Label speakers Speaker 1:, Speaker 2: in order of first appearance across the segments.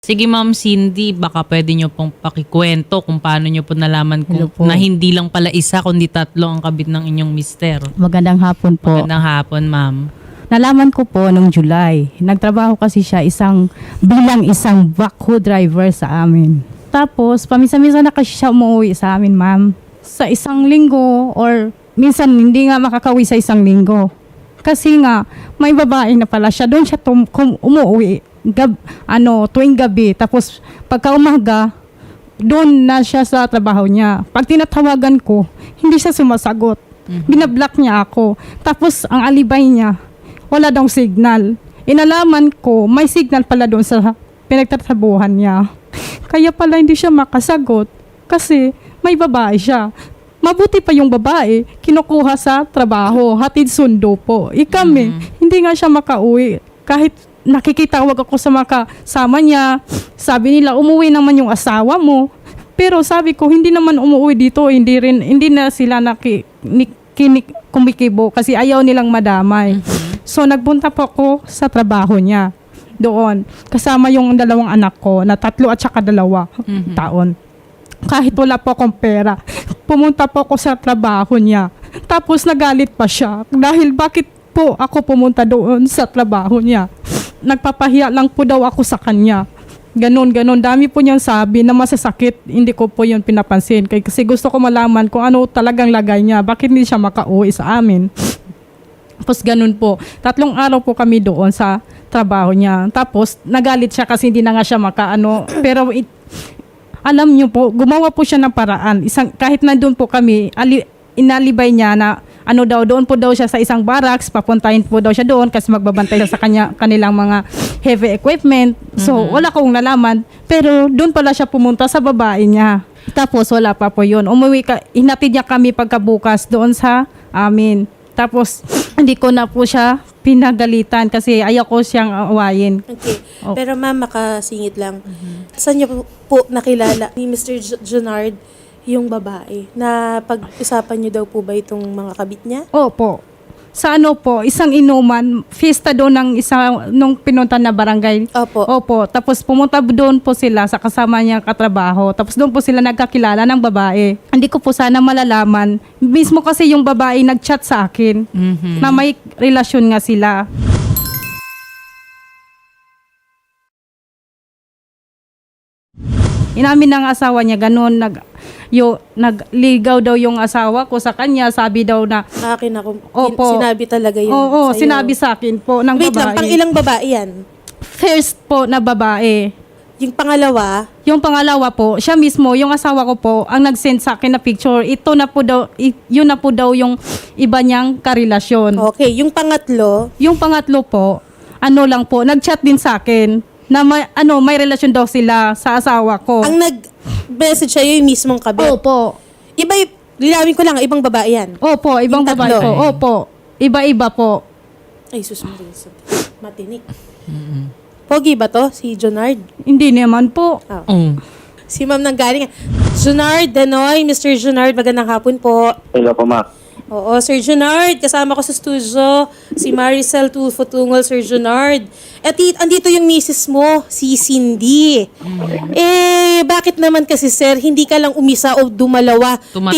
Speaker 1: Sige Ma'am Cindy, baka pwede nyo pong pakikwento kung paano nyo po nalaman
Speaker 2: Hello
Speaker 1: kung
Speaker 2: po.
Speaker 1: na hindi lang pala isa kundi tatlo ang kabit ng inyong mister.
Speaker 2: Magandang hapon po.
Speaker 1: Magandang hapon Ma'am.
Speaker 2: Nalaman ko po nung July. Nagtrabaho kasi siya bilang isang backhoe driver sa amin. Tapos, paminsan-minsan na kasi siya umuwi sa amin, ma'am. Sa isang linggo or minsan hindi nga makakawi sa isang linggo. Kasi nga, may babae na pala siya. Doon siya umuwi. Tuwing gabi. Tapos, pagka umaga, doon na siya sa trabaho niya. Pag tinatawagan ko, hindi siya sumasagot. Binablock niya ako. Tapos, ang alibay niya, wala daw signal. Inalaman ko, may signal pala doon sa pinagtatrabuhan niya. Kaya pala hindi siya makasagot kasi may babae siya. Mabuti pa yung babae, kinukuha sa trabaho, hatid sundo po. Kami, hindi nga siya makauwi. Kahit nakikitawag ako sa makasama niya, sabi nila, umuwi naman yung asawa mo. Pero sabi ko, hindi naman umuwi dito, hindi na sila kumikibo kasi ayaw nilang madamay. So, nagpunta po ako sa trabaho niya doon. Kasama yung dalawang anak ko na 3 at saka 2 taon. Kahit wala po akong pera, pumunta po ako sa trabaho niya. Tapos nagalit pa siya dahil bakit po ako pumunta doon sa trabaho niya. Nagpapahiya lang po daw ako sa kanya. Ganon. Dami po niyang sabi na masasakit. Hindi ko po yun pinapansin. Kasi gusto ko malaman kung ano talagang lagay niya. Bakit hindi siya makauwi sa amin. Tapos ganun po. 3 araw po kami doon sa trabaho niya. Tapos nagalit siya kasi hindi na nga siya Pero alam niyo po, gumawa po siya ng paraan. Kahit nandun po kami, inalibay niya na doon po daw siya sa isang barracks, papuntahin po daw siya doon kasi magbabantay siya sa kanilang mga heavy equipment. So, wala kong nalaman. Pero doon pala siya pumunta sa babae niya. Tapos wala pa po yun. Hinatid niya kami pagkabukas doon sa amin. Tapos, hindi ko na po siya pinagalitan kasi ayaw ko siyang awayin.
Speaker 3: Okay.
Speaker 2: Oh.
Speaker 3: Pero ma'am, makasingit lang. Saan niyo po nakilala ni Mr. Junard yung babae? Na pag-usapan niyo daw po ba itong mga kabit niya?
Speaker 2: Opo. Sa isang inuman, fiesta doon nung pinunta na barangay.
Speaker 3: Opo.
Speaker 2: Tapos pumunta doon po sila sa kasama niyang katrabaho. Tapos doon po sila nagkakilala ng babae. Hindi ko po sana malalaman. Mismo kasi yung babae nag-chat sa akin na may relasyon nga sila. Inamin ng asawa niya, ganun, nagligaw daw yung asawa ko sa kanya, sabi daw na,
Speaker 3: Akin ako.
Speaker 2: Opo.
Speaker 3: Sinabi talaga yun
Speaker 2: oo,
Speaker 3: sa'yo.
Speaker 2: sinabi sa akin po ng
Speaker 3: Wait lang,
Speaker 2: babae.
Speaker 3: pang ilang babae yan?
Speaker 2: First po na babae.
Speaker 3: Yung pangalawa,
Speaker 2: Yung pangalawa po, siya mismo, yung asawa ko po, ang nag-send sa akin na picture, yun na po daw yung iba niyang karelasyon.
Speaker 3: okay. Yung pangatlo,
Speaker 2: Yung pangatlo po, lang po, nag-chat din sa akin na may relasyon daw sila sa asawa ko.
Speaker 3: ang nag-message sa'yo yung mismong kabit.
Speaker 2: Opo.
Speaker 3: Linawin ko lang, ibang babae yan.
Speaker 2: Opo, ibang
Speaker 3: Yung
Speaker 2: babae
Speaker 3: tatlo.
Speaker 2: po. Opo. Iba-iba po.
Speaker 3: Ay, sus, matinik. Pogi ba to? Si Junard?
Speaker 2: Hindi naman po.
Speaker 3: Si ma'am nang galing. Junard Denoy, Mr. Junard, magandang hapon po.
Speaker 4: Hello po, Mac.
Speaker 3: Oo, Sir Junard, kasama ko sa studio, si Maricel Tulfo Tungol, Sir Junard. At andito yung misis mo, si Cindy. Bakit naman kasi, sir, hindi ka lang umisa o dumalawa?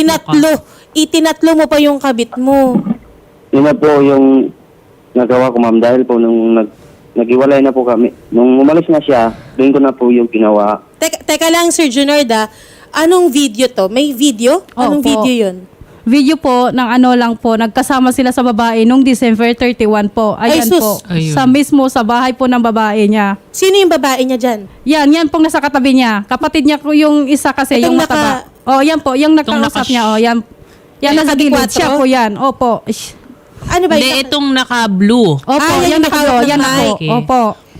Speaker 3: Itinatlo mo pa yung kabit mo.
Speaker 4: Yun na po yung nagawa ko, ma'am, dahil po nung naghiwalay na po kami. Nung umalis na siya, doon ko na po yung ginawa.
Speaker 3: Teka lang, Sir Junard, anong video to? May video? Anong
Speaker 2: Opo.
Speaker 3: video yun?
Speaker 2: Video po ng lang po, nagkasama sila sa babae nung December 31 po. Ayan
Speaker 3: Ay, sus.
Speaker 2: po.
Speaker 1: Ayun.
Speaker 2: Sa bahay po ng babae niya.
Speaker 3: Sino yung babae niya dyan?
Speaker 2: Yan pong nasa katabi niya. Kapatid niya po yung isa kasi,
Speaker 3: Itong
Speaker 2: yung mataba. Yan po, yung nakausap niya. Yan
Speaker 3: Yung
Speaker 2: nasa gilid.
Speaker 3: naka-4?
Speaker 2: Siya po yan. Opo. Ish.
Speaker 3: Ano ba
Speaker 1: Hindi, itong naka-blue.
Speaker 2: Opo, yan
Speaker 3: yan yung
Speaker 2: naka
Speaker 3: nakahawak
Speaker 2: yan
Speaker 3: ng
Speaker 2: ako.
Speaker 1: mic.
Speaker 2: Opo.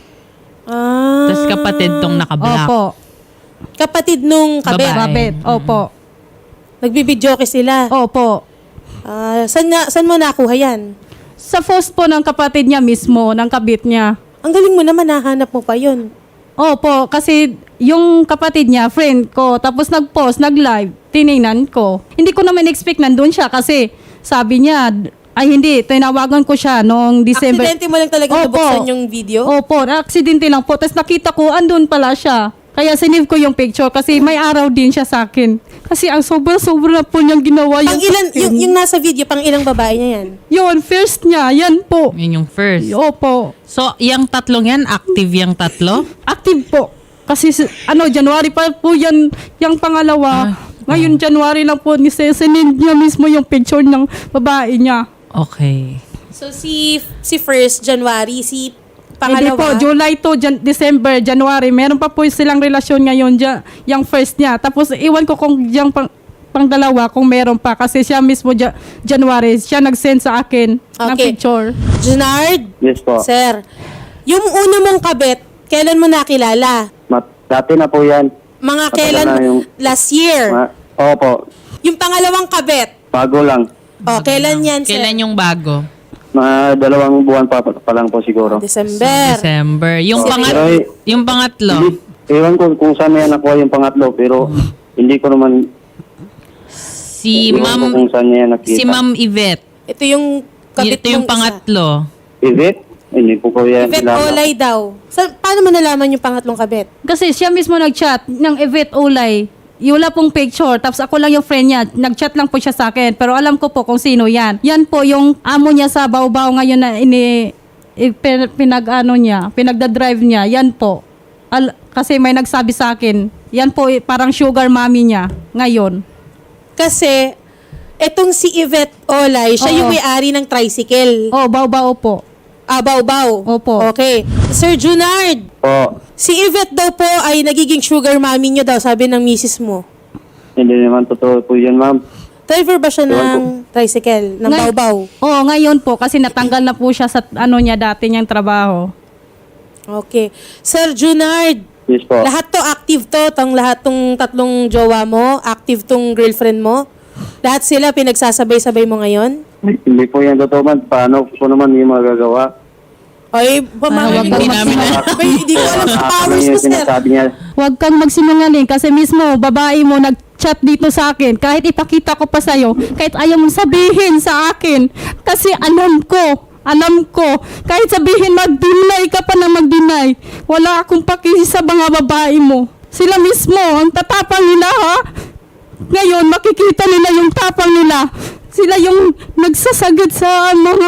Speaker 1: Tapos kapatid tong naka-black.
Speaker 2: Opo.
Speaker 3: Kapatid nung kabit.
Speaker 1: Babae.
Speaker 2: Babet. Opo.
Speaker 3: Nagbibidyoke sila.
Speaker 2: Opo.
Speaker 3: Saan mo nakuha yan?
Speaker 2: Sa post po ng kapatid niya mismo, ng kabit niya.
Speaker 3: Ang galing mo naman, nahanap mo pa yun.
Speaker 2: Opo, kasi yung kapatid niya, friend ko, tapos nag-post, nag-live, tinignan ko. Hindi ko naman expect nandun siya kasi sabi niya, Ay, hindi. Tinawagan ko siya noong December.
Speaker 3: Aksidente mo lang talaga
Speaker 2: Opo.
Speaker 3: nabuksan yung video?
Speaker 2: Opo, aksidente lang po. Tapos nakita ko, andun pala siya. Kaya sinave ko yung picture kasi may araw din siya sa akin. Kasi ang sobra-sobra po niyang ginawa
Speaker 3: Pang
Speaker 2: yung
Speaker 3: ilan, yung nasa video, pang ilang babae niya yan?
Speaker 2: Yun, first niya. Yan po.
Speaker 1: Yun yung first.
Speaker 2: Opo.
Speaker 1: So, yung tatlong yan, active yung tatlo?
Speaker 2: Active po. Kasi January pa po yan, yung pangalawa. Ngayon, January lang po, sinend niya mismo yung picture ng babae niya.
Speaker 1: Okay.
Speaker 3: So, si first January, si
Speaker 2: Hindi po,
Speaker 3: pangalawa,
Speaker 2: July to December, January. Meron pa po silang relasyon ngayon, yung first niya. Tapos, iwan ko kung yung pang dalawa, kung meron pa. Kasi siya mismo, January, siya nag-send sa akin ng
Speaker 3: Okay.
Speaker 2: picture.
Speaker 3: Junard,
Speaker 4: Yes po.
Speaker 3: sir, yung una mong kabit, kailan mo nakilala?
Speaker 4: Dati na po yan.
Speaker 3: Mga
Speaker 4: Matagal
Speaker 3: kailan?
Speaker 4: na yung-
Speaker 3: Last year.
Speaker 4: Opo.
Speaker 3: Yung pangalawang kabit,
Speaker 4: Bago lang.
Speaker 3: kailan yan, sir?
Speaker 1: Kailan yung bago?
Speaker 4: Mga 2 buwan pa lang po siguro.
Speaker 3: December.
Speaker 1: December. Yung,
Speaker 4: Pero
Speaker 1: yung pangatlo,
Speaker 4: hindi, ewan ko kung saan niya nakuha yung pangatlo, pero hindi ko naman
Speaker 1: si
Speaker 4: ewan ko
Speaker 1: Ma'am,
Speaker 4: kung saan niya nakita.
Speaker 1: si Ma'am Yvette.
Speaker 3: Ito yung kabit
Speaker 1: Ito yung
Speaker 3: mong isa.
Speaker 1: pangatlo.
Speaker 4: Yvette? Hindi po ko yan
Speaker 3: Yvette
Speaker 4: kilala.
Speaker 3: Olay daw. Paano mo nalaman yung pangatlong kabit?
Speaker 2: Kasi siya mismo nag-chat ng Yvette Olay. Wala pong picture. Tapos ako lang yung friend niya. Nag-chat lang po siya sa akin. Pero alam ko po kung sino yan. Yan po yung amo niya sa Baw-Baw ngayon na pinagda-drive niya. Yan po. Kasi may nagsabi sa akin. Yan po parang sugar mommy niya ngayon.
Speaker 3: Kasi, etong si Yvette Olay, siya
Speaker 2: Oo.
Speaker 3: yung may-ari ng tricycle.
Speaker 2: Oh, Baw-Baw po.
Speaker 3: Baw-baw.
Speaker 2: Opo.
Speaker 3: Okay. Sir Junard,
Speaker 4: Po,
Speaker 3: si Yvette daw po ay nagiging sugar mommy niyo daw, sabi ng misis mo.
Speaker 4: hindi naman totoo po yan, ma'am.
Speaker 3: Driver ba siya
Speaker 4: Ewan
Speaker 3: ng tricycle, ng
Speaker 2: Ngay-
Speaker 3: Baw-Baw?
Speaker 2: Oo, ngayon po. Kasi natanggal na po siya sa niya dati niyang trabaho.
Speaker 3: Okay. Sir Junard,
Speaker 4: Yes po.
Speaker 3: lahat to active to, lahat tong tatlong jowa mo, active tong girlfriend mo. Lahat sila pinagsasabay-sabay mo ngayon?
Speaker 4: Hindi po yan totoo, ma'am. Paano ko naman yung magagawa?
Speaker 3: Ay,
Speaker 2: wag
Speaker 1: hindi namin
Speaker 3: Hindi ko alam sa
Speaker 4: Ano
Speaker 3: powers mo,
Speaker 4: yung
Speaker 3: sir.
Speaker 4: sinasabi niya?
Speaker 2: Huwag kang magsinungaling kasi mismo babae mo nag-chat dito sa akin. Kahit ipakita ko pa sa'yo, kahit ayaw mong sabihin sa akin. Kasi alam ko, kahit sabihin mag-deny ka pa na mag-deny, wala akong pakisi sa mga babae mo. Sila mismo, ang tatapang nila ha. Ngayon, makikita nila yung tapang nila. Sila yung nagsasagad sa mga...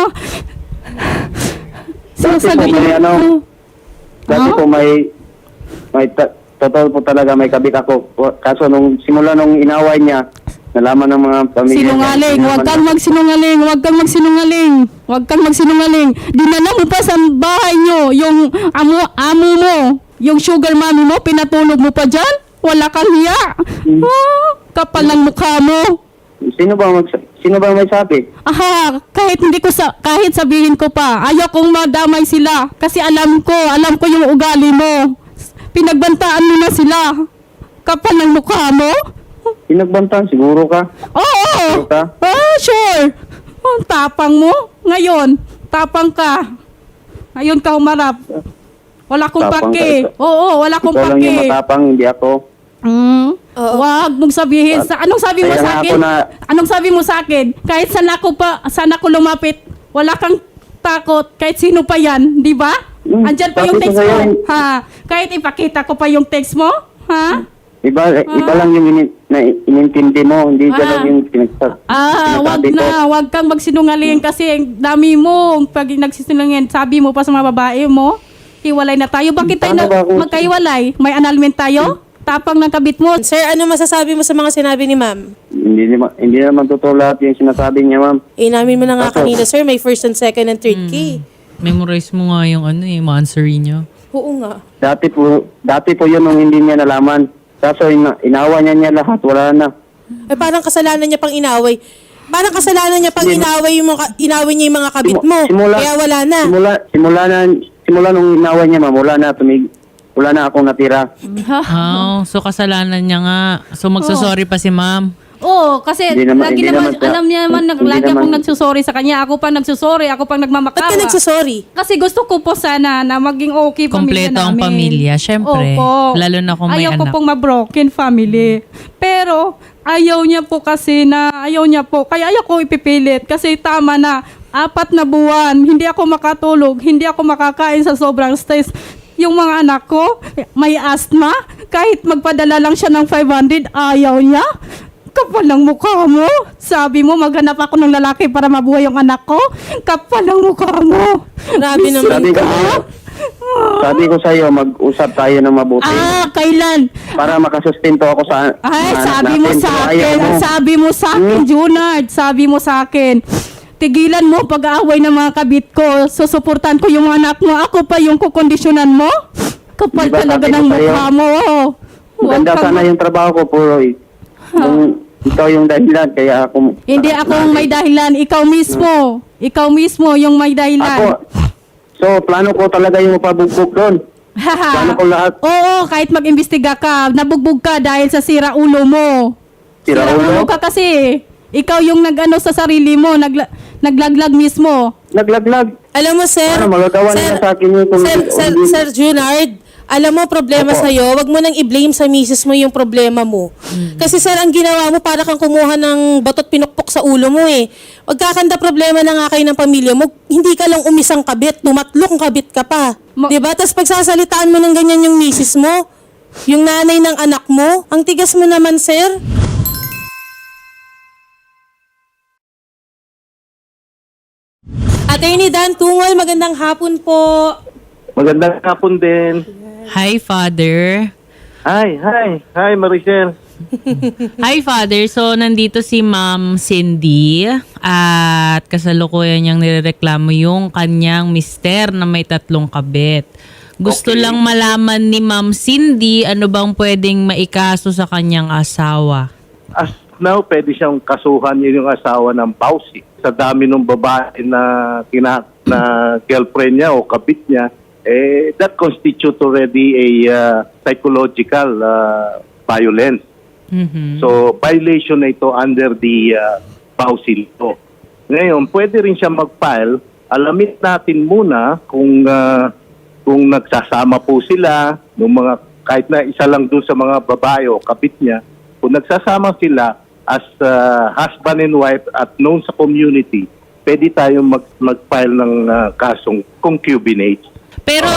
Speaker 4: Dati po may dati po totoo po talaga may kabit ako. Kaso simula nung inaway niya, nalaman ng mga pamilya niya.
Speaker 2: Sinungaling,
Speaker 4: hindi
Speaker 2: huwag
Speaker 4: naman-
Speaker 2: kang magsinungaling, huwag kang magsinungaling. Huwag kang magsinungaling. Dinala mo pa sa bahay nyo yung amo mo, yung sugar mommy mo, pinatulog mo pa dyan? Wala kang hiya. Ah, kapal ng mukha mo.
Speaker 4: Sino ba may sabi?
Speaker 2: Aha, kahit sabihin ko pa, ayaw kong madamay sila kasi alam ko yung ugali mo. Pinagbantaan mo na sila. Kapal ng mukha mo.
Speaker 4: Pinagbantaan siguro ka.
Speaker 2: Oo.
Speaker 4: Sure ka?
Speaker 2: Sure. Ang tapang mo. Ngayon, tapang ka. Ngayon ka humarap. Wala kong
Speaker 4: Tapang
Speaker 2: pake.
Speaker 4: ka.
Speaker 2: Oo, wala kong
Speaker 4: Ikaw lang yung
Speaker 2: pake.
Speaker 4: matapang, hindi ako.
Speaker 3: Oo.
Speaker 2: Wag mong sabihin. Anong sabi mo
Speaker 4: Kaya
Speaker 2: sa
Speaker 4: nga
Speaker 2: akin?
Speaker 4: ako na-
Speaker 2: Anong sabi mo sa akin? Kahit saan ako lumapit, wala kang takot. Kahit sino pa yan, di ba? Andyan pa yung
Speaker 4: bakit
Speaker 2: text
Speaker 4: ba
Speaker 2: mo.
Speaker 4: yan?
Speaker 2: Ha? Kahit ipakita ko pa yung text mo. Ha?
Speaker 4: Iba lang yung inintindi mo, hindi
Speaker 2: Ah.
Speaker 4: ganun yung
Speaker 2: Wag
Speaker 4: sinasabi ko.
Speaker 2: na. Wag kang magsinungaling kasi ang dami mo. Pag nagsisinungaling, sabi mo pa sa mga babae mo, hiwalay na tayo. Bakit tayo
Speaker 4: Paano ba kung-
Speaker 2: magkahiwalay? May annulment tayo? Tapang ng kabit mo.
Speaker 3: Sir, ano masasabi mo sa mga sinabi ni ma'am?
Speaker 4: Hindi naman totoo lahat yung sinasabi niya, ma'am.
Speaker 3: Inamin mo na nga
Speaker 4: Ako.
Speaker 3: kanina, sir, may first and second and third key.
Speaker 1: Memorize mo nga yung yung answer niyo.
Speaker 3: Oo nga.
Speaker 4: Dati po yun nung hindi niya nalaman. Kaso inawa niya lahat, wala na.
Speaker 3: Eh, parang kasalanan niya pang inaway. Parang kasalanan niya pang inaway niya yung mga kabit mo. Kaya wala na.
Speaker 4: Simula nung inaway niya, ma'am, wala na akong natira.
Speaker 1: So kasalanan niya nga. So magsasorry pa si ma'am.
Speaker 2: Oo, kasi
Speaker 4: Hindi naman-
Speaker 2: lagi
Speaker 4: hindi
Speaker 2: naman,
Speaker 4: naman siya-
Speaker 2: alam niya naman,
Speaker 4: hindi
Speaker 2: lagi
Speaker 4: naman-
Speaker 2: akong nagsusorry sa kanya. Ako pa nagsusorry, ako pa
Speaker 3: Ba't
Speaker 2: nagmamakawa.
Speaker 3: ka nagsasorry?
Speaker 2: Kasi gusto ko po sana na maging okay pamilya
Speaker 1: Kompleto ang
Speaker 2: namin.
Speaker 1: pamilya, syempre.
Speaker 2: Opo.
Speaker 1: Lalo na kung may
Speaker 2: ayaw ko
Speaker 1: anak.
Speaker 2: pong ma-broken family. Pero ayaw niya po kasi na, ayaw niya po. Kaya ayaw ko ipipilit kasi tama na. 4 na buwan, hindi ako makatulog, hindi ako makakain sa sobrang stress. Yung mga anak ko, may asthma. Kahit magpadala lang siya ng 500, ayaw niya. Kapal ng mukha mo. Sabi mo, maghanap ako ng lalaki para mabuhay yung anak ko. Kapal ng mukha mo.
Speaker 3: Grabe naman
Speaker 4: Sabi ko,
Speaker 3: ka.
Speaker 4: sabi ko sa iyo, mag-usap tayo ng mabuti
Speaker 2: Kailan?
Speaker 4: para makasustento ako sa
Speaker 2: Ay,
Speaker 4: anak
Speaker 2: sabi mo
Speaker 4: natin.
Speaker 2: sa
Speaker 4: Kung
Speaker 2: akin,
Speaker 4: ayaw mo,
Speaker 2: sabi mo sa akin, Junard, sabi mo sa akin, tigilan mo pag-aaway ng mga kabit ko, susuportan ko yung anak mo, ako pa yung kukondisyonan mo? Kapal
Speaker 4: Diba,
Speaker 2: talaga
Speaker 4: sabi ko
Speaker 2: ng
Speaker 4: sa'yo,
Speaker 2: mukha mo. Huwag
Speaker 4: Ganda
Speaker 2: kang-
Speaker 4: sana yung trabaho ko, Puroy. Ikaw yung dahilan, kaya ako...
Speaker 2: Hindi ako ang may dahilan, ikaw mismo. Ikaw mismo yung may
Speaker 4: Ako,
Speaker 2: dahilan.
Speaker 4: so plano ko talaga yung mapabugbog doon. Plano ko lahat.
Speaker 2: Oo, kahit mag-imbestiga ka, nabugbog ka dahil sa sira ulo mo.
Speaker 4: Sira ulo?
Speaker 2: ka kasi. Ikaw yung nag-ano sa sarili mo, naglaglag mismo.
Speaker 4: Naglaglag.
Speaker 3: Alam mo, sir,
Speaker 4: Ano, magagawa nila sa akin yun kung
Speaker 3: Sir Junard, alam mo, problema
Speaker 4: Opo.
Speaker 3: sa'yo, wag mo nang i-blame sa misis mo yung problema mo. Kasi sir, ang ginawa mo, para kang kumuha ng batot pinukpok sa ulo mo eh. Magkakanda problema na nga kayo ng pamilya mo, hindi ka lang umisang kabit, tumatlong kabit ka pa. Diba? Tapos pagsasalitaan mo ng ganyan yung misis mo, yung nanay ng anak mo, ang tigas mo naman, sir. Attorney Dan Tungol, magandang hapon po.
Speaker 5: Magandang hapon din.
Speaker 1: Hi, Father.
Speaker 5: Hi, Maricel.
Speaker 1: Hi, Father. So, nandito si Ma'am Cindy at kasalukuyan niyang nirereklamo yung kanyang mister na may 3 kabit. Gusto
Speaker 5: Okay.
Speaker 1: lang malaman ni Ma'am Cindy ano bang pwedeng maikaso sa kanyang asawa.
Speaker 5: As now, pwede siyang kasuhan yun yung asawa ng Pausi. Sa dami ng babae na na girlfriend niya o kabit niya, that constitute already a psychological violence.
Speaker 1: Mhm.
Speaker 5: So, violation na ito under the Pausi law. Ngayon, pwede rin siya mag-file. Alamin natin muna kung nagsasama po sila, ng mga, kahit na isa lang doon sa mga babae o kabit niya, kung nagsasama sila as husband and wife at known sa community, pwede tayong mag-file ng kasong concubinage.
Speaker 1: Pero,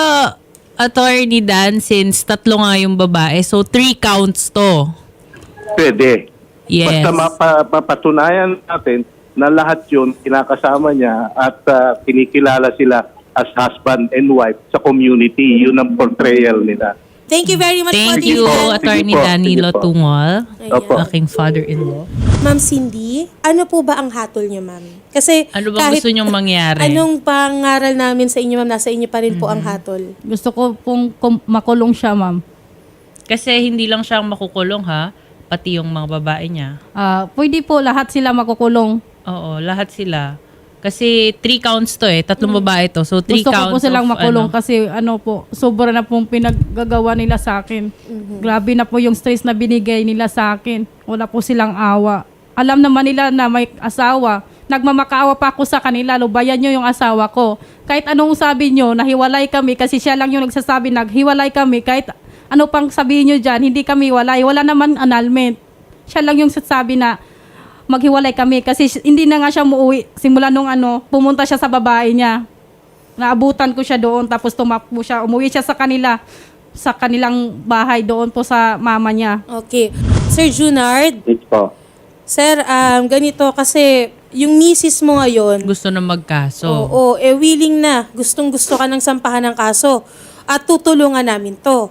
Speaker 1: Attorney Dan, since 3 nga yung babae, so 3 counts to.
Speaker 5: Pwede.
Speaker 1: Yes.
Speaker 5: Basta mapatunayan natin na lahat yun kinakasama niya at kinikilala sila as husband and wife sa community. Yun ang portrayal nila.
Speaker 3: Thank you very much po,
Speaker 1: Thank you,
Speaker 3: Tita.
Speaker 1: Attorney
Speaker 5: Sige po,
Speaker 1: Danilo
Speaker 5: sige po.
Speaker 1: Tungol,
Speaker 5: Opo.
Speaker 1: aking father-in-law.
Speaker 3: Ma'am Cindy, ano po ba ang hatol niyo, ma'am? Kasi
Speaker 1: Ano bang gusto niyong mangyari?
Speaker 3: Anong pangaral namin sa inyo, ma'am? Nasa inyo pa rin po ang hatol.
Speaker 2: Gusto ko pong makulong siya, ma'am.
Speaker 1: Kasi hindi lang siya makukulong ha, pati yung mga babae niya.
Speaker 2: Pwede po lahat sila makukulong.
Speaker 1: Oo, lahat sila. Kasi 3 counts to 3 babae to. So 3
Speaker 2: Gusto ko
Speaker 1: counts
Speaker 2: po silang
Speaker 1: of,
Speaker 2: makulong kasi sobra na pong pinaggagawa nila sa akin. Grabe na po yung stress na binigay nila sa akin. Wala po silang awa. Alam naman nila na may asawa. Nagmamakaawa pa ako sa kanila. Lubayan nyo yung asawa ko. Kahit anong sabi nyo, nahiwalay kami kasi siya lang yung nagsasabi, naghiwalay kami. Kahit ano pang sabihin nyo dyan, hindi kami walay. Wala naman annulment. Siya lang yung sasabi na maghiwalay kami kasi hindi na nga siya muuwi. Simula nung pumunta siya sa babae niya. Naabutan ko siya doon tapos tumakbo siya. Umuwi siya sa kanilang bahay doon po sa mama niya.
Speaker 3: Okay. Sir Junard,
Speaker 4: Yes po.
Speaker 3: sir, ganito kasi yung misis mo ngayon,
Speaker 1: gusto na magkaso.
Speaker 3: oo, willing na. Gustong-gusto ka ng sampahan ng kaso. At tutulungan namin to.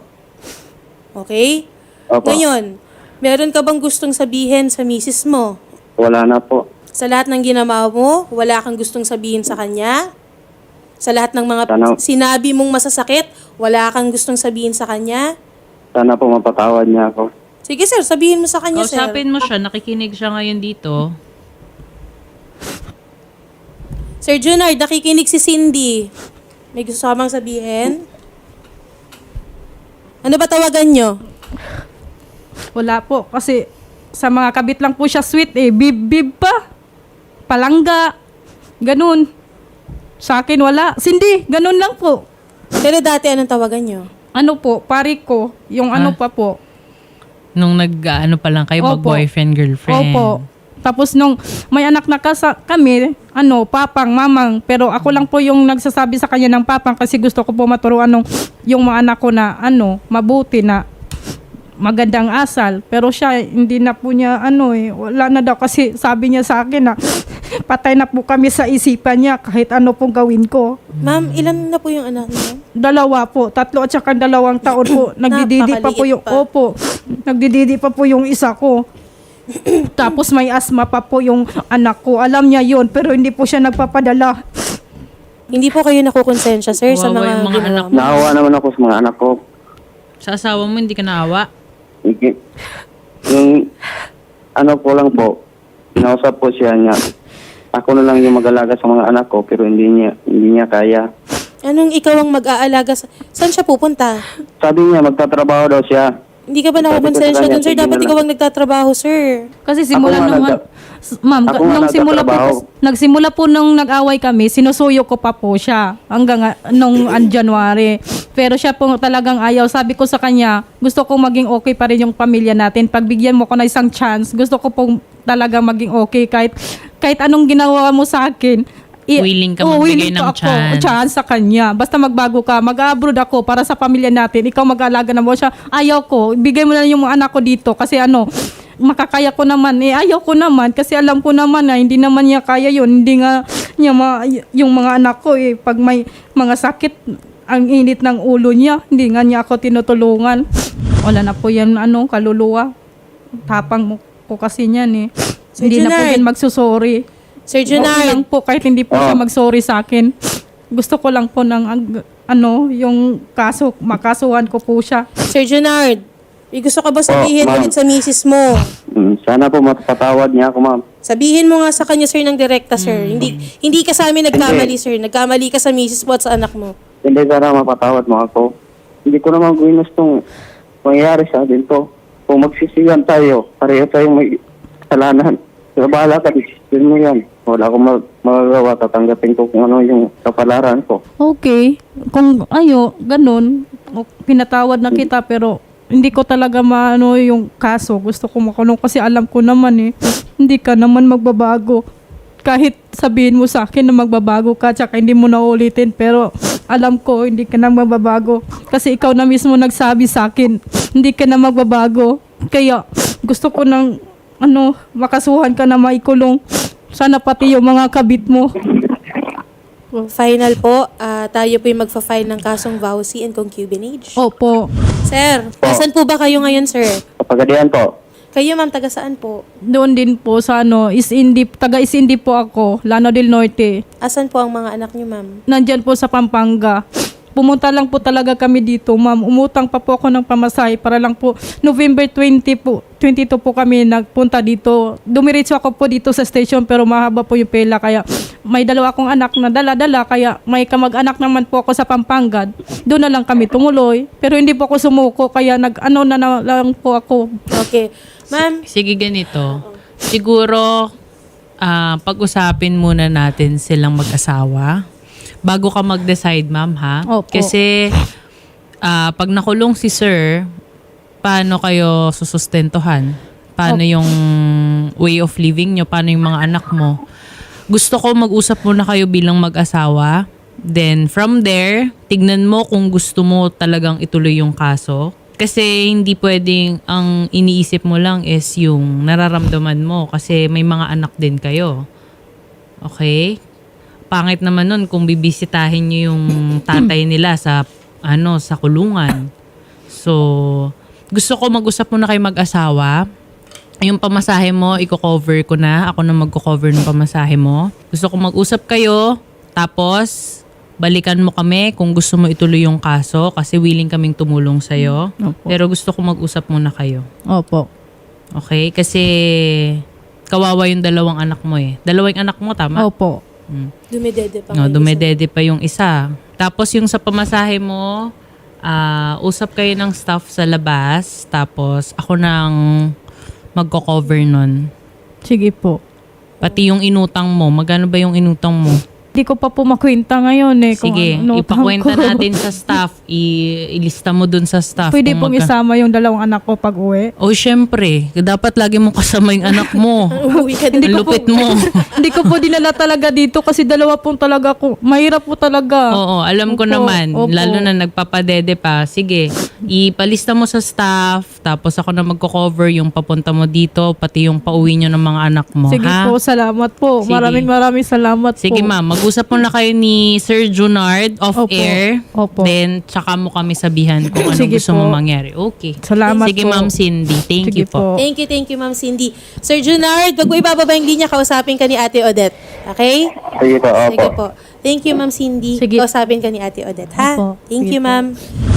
Speaker 3: Okay?
Speaker 4: Opo.
Speaker 3: Ngayon, meron ka bang gustong sabihin sa misis mo?
Speaker 4: Wala na po.
Speaker 3: Sa lahat ng ginawa mo, wala kang gustong sabihin sa kanya? Sa lahat ng mga
Speaker 4: Sana-
Speaker 3: sinabi mong masasakit, wala kang gustong sabihin sa kanya?
Speaker 4: Sana po mapatawad niya ako.
Speaker 3: Sige sir, sabihin mo sa kanya, sir.
Speaker 1: Kausapin mo siya, nakikinig siya ngayon dito.
Speaker 3: Sir Junard, nakikinig si Cindy. May gusto ka bang sabihin? Ano ba tawagan nyo?
Speaker 2: Wala po kasi Sa mga kabit lang po siya sweet eh. Bib pa. Palangga. Ganun. Sa akin wala. Cindy, ganun lang po.
Speaker 3: Pero dati anong tawagan nyo?
Speaker 2: Ano po, pari ko. Yung ano pa po.
Speaker 1: Nung nag-ano pa lang kayo,
Speaker 2: Opo.
Speaker 1: mag-boyfriend, girlfriend.
Speaker 2: Opo. Tapos nung may anak na kami, papang, mamang. Pero ako lang po yung nagsasabi sa kanya ng papang kasi gusto ko po maturuan yung mga anak ko na mabuti na magandang asal. Pero siya, hindi na po niya wala na daw kasi sabi niya sa akin na patay na po kami sa isipan niya kahit ano pong gawin ko.
Speaker 3: Ma'am, ilan na po yung anak niyo?
Speaker 2: 2 po, 3 at saka 2 taon po. Nagdididi pa po yung,
Speaker 3: Napakaliit pa.
Speaker 2: opo, nagdididi pa po yung isa ko. Tapos may asma pa po yung anak ko. Alam niya yun, pero hindi po siya nagpapadala.
Speaker 3: Hindi po kayo nakukonsensya, sir, sa
Speaker 1: Kawawa
Speaker 3: mga,
Speaker 1: yung mga
Speaker 3: ginawa
Speaker 1: anak
Speaker 3: mo.
Speaker 4: Naawa naman ako sa mga anak ko.
Speaker 1: Sa asawa mo, hindi ka naawa?
Speaker 4: Yung ano ko lang po, kinausap po siya niya. Ako na lang yung mag-alaga sa mga anak ko pero hindi niya kaya.
Speaker 3: Anong ikaw ang mag-aalaga? Saan siya pupunta?
Speaker 4: Sabi niya magtatrabaho daw siya.
Speaker 3: Hindi ka ba
Speaker 4: Sabi ko sa
Speaker 3: nakukonsensya
Speaker 4: kanya,
Speaker 3: dun, sir?
Speaker 4: sige
Speaker 3: Dapat
Speaker 4: na
Speaker 3: ikaw
Speaker 4: lang.
Speaker 3: ang nagtatrabaho, sir.
Speaker 2: Kasi simula
Speaker 4: Ako nga
Speaker 2: nung, ma'am,
Speaker 4: ako nga
Speaker 2: nung simula po,
Speaker 4: nagtatrabaho.
Speaker 2: nagsimula po nung nag-away kami, sinusuyo ko pa po siya hanggang nung January. Pero siya po talagang ayaw. Sabi ko sa kanya, gusto ko maging okay pa rin yung pamilya natin. Pagbigyan mo ko na isang chance, gusto ko pong talaga maging okay kahit anong ginawa mo sa akin.
Speaker 1: Willing ka magbigay
Speaker 2: willing
Speaker 1: ng
Speaker 2: po ako, chance sa kanya. Basta magbago ka, mag-abroad ako para sa pamilya natin. Ikaw mag-aalaga na mo siya. Ayaw ko. Bigay mo na yung mga anak ko dito kasi makakaya ko naman. Ayaw ko naman kasi alam ko naman na hindi naman niya kaya yun. Hindi nga niya yung mga anak ko pag may mga sakit, ang init ng ulo niya. Hindi nga niya ako tinutulungan. Wala na po yan kaluluwa. Tapang mo ko kasi niyan
Speaker 3: Sir
Speaker 2: Hindi na po
Speaker 3: Junard.
Speaker 2: yan magsusorry.
Speaker 3: Sir
Speaker 2: Okay lang
Speaker 3: Junard,
Speaker 2: po kahit hindi po siya mag-sorry sa akin. Gusto ko lang po ng yung kaso, makasuhan ko po siya.
Speaker 3: Sir Junard, gusto ka ba sabihin
Speaker 4: ma'am.
Speaker 3: ulit sa misis mo?
Speaker 4: Sana po mapatawad niya ako, ma'am.
Speaker 3: Sabihin mo nga sa kanya, sir, ng direkta, sir. Hindi ka sa amin nagkamali, sir. Nagkamali ka sa misis mo at sa anak mo.
Speaker 4: Hindi sana mapatawad mo ako. Hindi ko naman ginustong mangyayari sa atin to. Kung magsisiyan tayo, pareho tayong may kasalanan. Pero bahala ka, decision mo yan. Wala akong magagawa, tatanggapin ko kung ano yung kapalaran ko.
Speaker 2: Okay. Kung ganun, pinatawad na kita pero hindi ko talaga yung kaso. Gusto ko makulong kasi alam ko naman hindi ka naman magbabago. Kahit sabihin mo sa akin na magbabago ka tsaka hindi mo na ulitin pero alam ko hindi ka na magbabago. Kasi ikaw na mismo nagsabi sa akin, hindi ka na magbabago. Kaya gusto ko ng makasuhan ka na maikulong. Sana pati yung mga kabit mo.
Speaker 3: Final po, tayo po yung magfa-file ng kasong vowsy and concubinage.
Speaker 2: Opo.
Speaker 3: Sir, asan po ba kayo ngayon, sir?
Speaker 4: Kapagadian po.
Speaker 3: Kayo, ma'am, taga saan po?
Speaker 2: Doon din po sa taga Isindi po ako, Lano del Norte.
Speaker 3: Asan po ang mga anak niyo, ma'am?
Speaker 2: Nandyan po sa Pampanga. Pumunta lang po talaga kami dito, ma'am. Umutang pa po ako ng pamasahe para lang po November 22 po kami nagpunta dito. Dumiretso ako po dito sa station pero mahaba po yung pela kaya may 2 akong anak na dala-dala kaya may kamag-anak naman po ako sa Pampanga. Doon na lang kami tumuloy pero hindi po ako sumuko kaya na lang po ako.
Speaker 3: Okay. Ma'am,
Speaker 1: Sige, ganito. Siguro, pag-usapin muna natin silang mag-asawa. Bago ka mag-decide, ma'am, ha?
Speaker 2: Opo.
Speaker 1: Kasi, pag nakulong si sir, paano kayo susustentuhan? Paano yung way of living nyo? Paano yung mga anak mo? Gusto ko mag-usap muna kayo bilang mag-asawa. Then, from there, tignan mo kung gusto mo talagang ituloy yung kaso. Kasi hindi pwedeng ang iniisip mo lang is yung nararamdaman mo kasi may mga anak din kayo. Okay? Pangit naman nun kung bibisitahin nyo yung tatay nila sa kulungan. So, gusto ko mag-usap muna kayo mag-asawa. Yung pamasahe mo, i-cover ko na. Ako na mag-cover ng pamasahe mo. Gusto ko mag-usap kayo. Tapos, balikan mo kami kung gusto mo ituloy yung kaso kasi willing kaming tumulong sa'yo.
Speaker 2: Opo.
Speaker 1: Pero gusto ko mag-usap muna kayo.
Speaker 2: Opo.
Speaker 1: Okay? Kasi kawawa yung 2 anak mo 2 anak mo, tama?
Speaker 2: Opo.
Speaker 3: dumidede pa
Speaker 1: No,
Speaker 3: kayo.
Speaker 1: dumedede pa yung isa. Tapos yung sa pamasahe mo, usap kayo ng staff sa labas. Tapos ako nang magko-cover nun.
Speaker 2: Sige po.
Speaker 1: Pati yung inutang mo, magkano ba yung inutang mo?
Speaker 2: Di ko pa po makwenta ngayon eh. Kung
Speaker 1: Sige,
Speaker 2: ano utang
Speaker 1: ipakwenta
Speaker 2: ko.
Speaker 1: natin sa staff. Ilista mo dun sa staff.
Speaker 2: Pwede
Speaker 1: kung
Speaker 2: pong isama yung 2 anak ko pag uwi.
Speaker 1: Oh, syempre. Dapat lagi mo kasama yung anak mo.
Speaker 3: Uuwi ka
Speaker 1: Ang
Speaker 3: din.
Speaker 1: lupit mo.
Speaker 2: Hindi ko po dinala talaga dito kasi 2 pong talaga ko. Mahirap po talaga.
Speaker 1: Oo, alam ko
Speaker 2: Opo,
Speaker 1: naman.
Speaker 2: opo.
Speaker 1: Lalo na nagpapadede pa. Sige, ipalista mo sa staff. Tapos ako na magko-cover yung papunta mo dito. Pati yung pauwi nyo ng mga anak mo.
Speaker 2: Sige
Speaker 1: ha?
Speaker 2: po, salamat po.
Speaker 1: Sige.
Speaker 2: Maraming salamat po.
Speaker 1: Sige ma'am, mag-usap mo na kayo ni Sir Junard off-air.
Speaker 2: Opo.
Speaker 1: Then, tsaka mo kami sabihan kung anong
Speaker 2: Sige
Speaker 1: gusto
Speaker 2: po.
Speaker 1: mo mangyari. Okay.
Speaker 2: Salamat
Speaker 1: Sige
Speaker 2: po.
Speaker 1: ma'am Cindy. Thank
Speaker 2: Sige
Speaker 1: you po.
Speaker 3: Thank you, Ma'am Cindy. Sir Junard, wag mo ibababa yung linya, kausapin ka ni Ate Odette. Okay?
Speaker 4: Sige po, opo.
Speaker 3: Sige po. Thank you, Ma'am Cindy.
Speaker 2: Sige.
Speaker 3: Kausapin ka ni Ate Odette, ha?
Speaker 2: Opo.
Speaker 3: Thank
Speaker 2: Sige
Speaker 3: you,
Speaker 2: po.
Speaker 3: ma'am.